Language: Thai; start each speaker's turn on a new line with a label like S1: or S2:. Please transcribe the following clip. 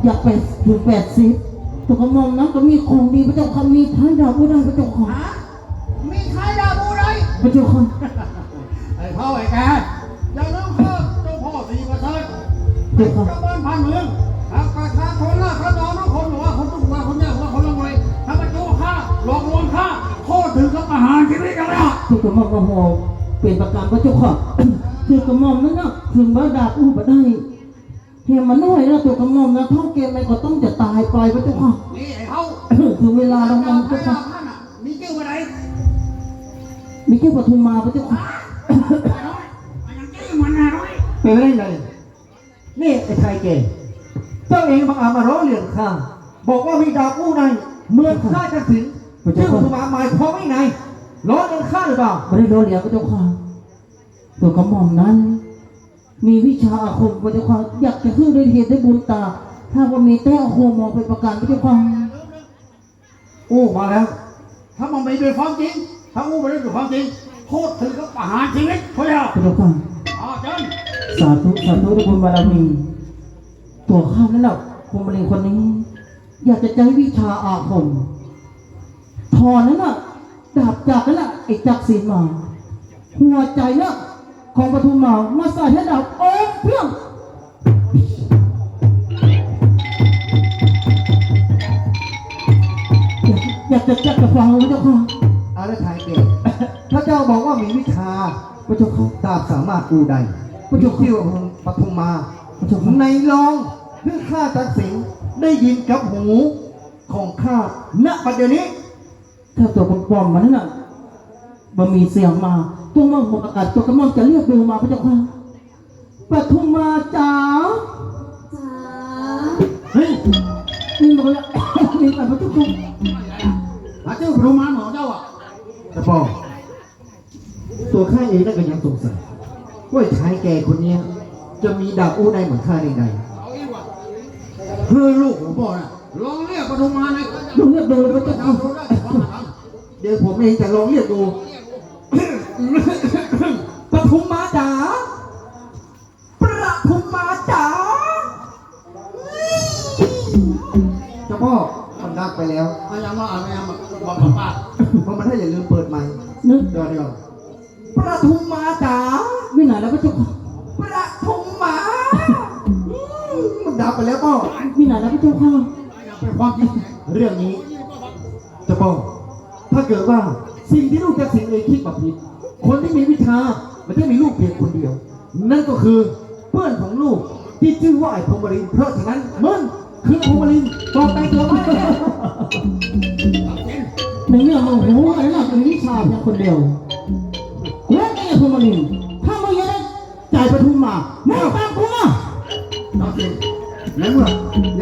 S1: อยากถึง80ตัวกระหม่อมนั้นก็มีของดีพระเจ้าค่ะมีท้ายดาวผู้ใดพระเจ้าค่ะ
S2: มีใครด่าบูไร
S1: พระเจ้าค่ะ
S2: ไอ้พ่อไอ้แกอย่าลืมเพิ่มเจ้าพ่อสีประเสริฐเป็นเจ้าบ้านพันเมืองหากประชาชนล่ะพระนอนทุกคนหรือว่าคนทุกคนคนยากว่าคนละมวยถ้ามาโจ้ฆ่าหลอกลวงฆ่าโทษถึงกับประหารชีวิตกันแล้ว
S1: ตัวกระหม่อมกระหอบเป็นประการพระเจ้าค่ะคือกระหม่อมนั้นนะถึงว่าดาบอู้มาได้เฮียมันน้อยนะตัวกระหม่อมนะท่องเกมไปก็ต้องจะตายไปพระเจ้าค่ะ
S2: นี่ไอ้เขา
S1: ถึงเวลาเราต้องพระเจ้าค่ะ
S2: มีเจ้าอะไร
S1: มีเจ้าปทุมมาพระเจ้าค่ะ
S3: เป็นไรเลยนี่ไอ้ไทยเกย์เจ้าเองบังอาจมาร้องเรียนข้าบอกว่ามีดาบอู้ในเมืองข้าจะสินชื่อปทุมมาหมายความว่าไงร้องเรียนข้าหรือเปล่า
S1: ไม่ได้โดนเหลียวพระเจ้าค่ะตัวกระหม่อมนั้นมีวิชาอาคมพระเจ้าค่ะอยากจะขึ้นด้วยเหตุได้บุญตาถ้าว่ามีแต้อาคมมองเป็นประการพระเจ้าค่ะ
S2: โอ้มาแล้วถ้ามันไม่เป็นความจริงถ้าอู้ไม่ได้เป็นความจริงโทษถึงกับประหารชีวิตพระเจ้า
S1: พระเจ้าค่ะ
S2: เจิญ
S1: สาธุสาธุทุกคนบารมีตัวข้านั่นแหละภูมิลิงคนนี้อยากจะใช้วิชาอาคมทอนั้นน่ะดาบจากนั่นน่ะไอ้จักรศีลมาหัวใจน่ะของปทุมมาใส่ให้ดาบโอ้เพียงอยากจะฟังพระเจ้าค่ะ
S3: อะไรไทยเกย์ถ้าเจ้าบอกว่ามีวิชา
S1: พระเจ้าค่ะ
S3: ดาบสามารถกูใด
S1: พระเจ้าค่ะ
S3: ที่ว่าปทุมมาในรองเพื่อข้าตัดสินได้ยินกับหูของข้าณปัจจุบันนี้
S1: ถ้าตัวปลอมๆมันนั่นน่ะมันมีเสียงมาตัวมั่งหมดอากาศตัวกระหม่อมจะเรียกดูมาพระเจ้าค่ะปทุมมาจ๋าเฮ้ยนี่มันก็มีแต่พระเจ้าค่ะ
S2: เจ้าพระมารหมอเจ้า
S3: แต่พอตัวข้าเองนั่นก็ยังสงสัยว่าชายแก่คนนี้จะมีดาบอู้ในเหมือนข้าได้ไง
S2: คือลูกของพ่อน่ะลองเรียกปทุมมาใน
S1: ลองเรียกดูเลยพระเจ้าค่ะ
S3: เดี๋ยวผมเองจะลองเรียกดูปทุมมาจ๋าปทุมมาจ๋าเจ้าพ่อมันดักไปแล้ว
S2: ไม่ยังว่าไม่ยังบอกป้า
S3: เพราะมันถ้าอย่าลืมเปิดใหม่
S1: นึก
S3: เดี๋ยวปทุมมาจ๋า
S1: ไม่ไหนแล้วพระเจ้าค่ะ
S3: ปทุมมามันดับไปแล้วพ่อ
S1: ไม่ไหนแล้วพระเจ้าค่ะ
S2: เป็นความจริง
S3: เรื่องนี้เจ้าพ่อถ้าเกิดว่าสิ่งที่ลูกจะสิ่งเองคิดแบบผิดคนที่มีวิชามันจะมีลูกเพียงคนเดียวนั่นก็คือเพื่อนของลูกที่ชื่อว่าไอ้พมรินทร์เพราะฉะนั้นมันคือพมรินทร์ต่อไปเถอะไหม
S1: ในเรื่องมึงหูไอ้หลักมีวิชาเพียงคนเดียวและไอ้พมรินทร์ถ้ามึงยังได้จ่ายปทุมมามึงตามกูมา
S2: จริงแล้วเมื่อ